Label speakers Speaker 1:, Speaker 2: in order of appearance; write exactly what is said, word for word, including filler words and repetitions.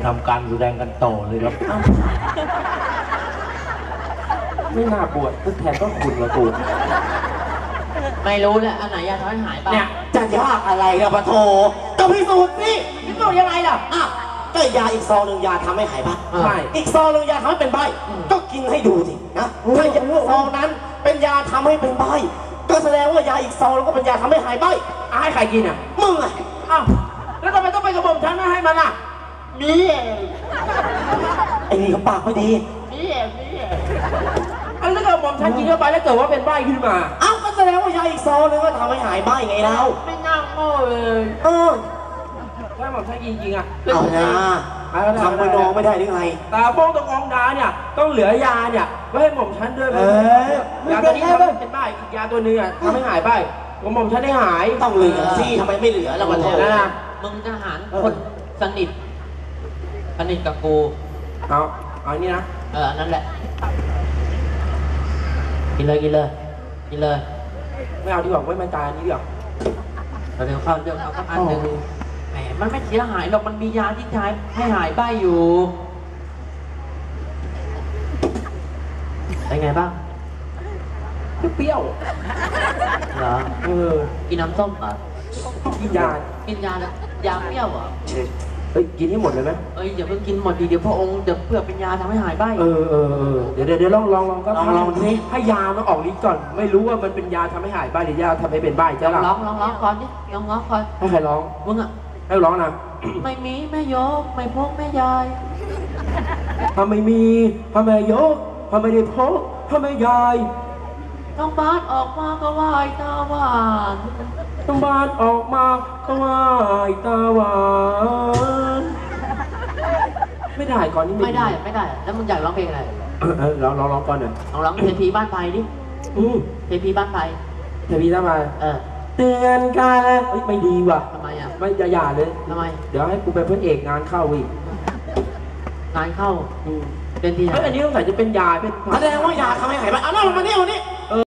Speaker 1: ทำการแสดงกันต่อเลยครับไม่น่าบวชทดแทนก็คุณละกู
Speaker 2: ไม่รู้แหละอันไหนยาทำให้หายบ้าง
Speaker 3: เนี่ยจะยากอะไรล่ะปะโถก็พิสูจน์สิ
Speaker 2: พิสูจน์ยังไงล่ะ
Speaker 3: อ้าวก็ยาอีกซองหนึ่งยาทำให้หายบ้า
Speaker 1: ใช่
Speaker 3: อีกซองหนึ่งยาทำให้เป็นใบก็กินให้ดูสินะถ้ายาซองนั้นเป็นยาทำให้เป็นใบก็แสดงว่ายาอีกซองแล้วก็เป็นยาทำให้หายใบ
Speaker 1: ให้ใครกินอ่ะ
Speaker 3: มึงไง
Speaker 1: อ้าวแล้วทำไมต้องไปกระบอกฉันไม่ให้มันอ่ะมี
Speaker 3: ไอ้นี่เขาปากไม่ดี
Speaker 1: มีมีอันนี้ก็ผมฉันกินเข้าไปแล้วเกิดว่าเป็นใบขึ้นมา
Speaker 3: อ้าวก็แสดงว่ายาอีกซองนึงก็ทำให้หายใบไงเรา
Speaker 1: ไม่น่าโง่เลย
Speaker 3: เออ
Speaker 1: ถ้าผมฉันกินจริงอ่ะ
Speaker 3: เอานะทำไปน้องไม่ได้หรือไง
Speaker 1: ตาโป้งตะกองดาเนี่ยต้องเหลือยาเนี่ยไว้ให้หม่อมฉันด้วยยาตัวนี้เป็นใบอีกยาตัวนึงอ่ะทำให้หายใบผมหม่อมฉันได้หาย
Speaker 3: ต้องเหลือสิทำไมไม่เหลือแล้วมันโทษ
Speaker 2: นะมึงทหารคนสนิทสนิทกับกู
Speaker 1: เอาเอานี่นะ
Speaker 2: เออนั่นแหละกินเลยกินเลยกินเลย
Speaker 1: ไม่เอาดีกว่าไม่มันตายนี้เดี๋ยว
Speaker 2: เดี๋ยวเข้าเดี๋ยวเข้าสักอันหนึ่งแหมมันไม่เสียหายหรอกมันมียาที่ใช้ให้หายใบอยู่เป็นไงบ้าง
Speaker 1: เปรี้ยว
Speaker 2: เหรอ
Speaker 1: เออ
Speaker 2: กินน้ำส้มเหรอ
Speaker 1: กินยา
Speaker 2: กินยาแล้วยาเปรี้ยวเหรอ
Speaker 1: เฮ้ยกินให้หมดเลยไหม
Speaker 2: เอ้ยอย่าเพิ่งกินหมดดีเดี๋ยวพระองค์เดี๋ยวเพื่อเป็นยาทำให้หายใบ
Speaker 1: เออเออเออเดี๋ยวเดี๋ยวลองลองลองก็ลองลองสิให้ยามันออกฤทธิ์ก่อนไม่รู้ว่ามันเป็นยาทำให้หายใบหรือยาทำให้เป็นใบใช่หรอ
Speaker 2: ลองลองลองก่อนดิลองลองก่อน
Speaker 1: ให้ใครร้อง
Speaker 2: มึงอ่ะ
Speaker 1: ให้ร้องนะ
Speaker 2: ไม่มีแม่ยกไม่พกแม่ยาย
Speaker 1: ถ้าไม่มีถ้าไม่ยกถ้าไม่ได้พกถ้าไม่ยาย
Speaker 2: ต้องบานออกมาก็ไหวตาหวาน
Speaker 1: ต้องบานออกมาก็ไหวตาหวานไม่ได้ก่อนนี้
Speaker 2: ไม่ได้ไม่ได้แล้วมึงอยากร้องเพลงอะไร
Speaker 1: เออร้องร้องร้องก่อนหน่อย
Speaker 2: ลองร้องเทพีบ้านไผ่ดิ
Speaker 1: อือ
Speaker 2: เทพีบ้านไผ่
Speaker 1: เทพีบ้านไผ่
Speaker 2: เออ
Speaker 1: เตือนกันแล้วไม่ดีว่ะ
Speaker 2: ทำไมอ่ะ
Speaker 1: ไม่อย่าอย่าเลย
Speaker 2: ทำไม
Speaker 1: เดี๋ยวให้กูเป็นพระเอกงานเข้าอีก
Speaker 2: งานเข้าเป็นที่ไหน
Speaker 1: อันนี้ต้องใส่จะเป็นยาเป็น
Speaker 3: แสดงว่ายาทำให้หายไปเอาหน้ามาเนี่ยวันนี้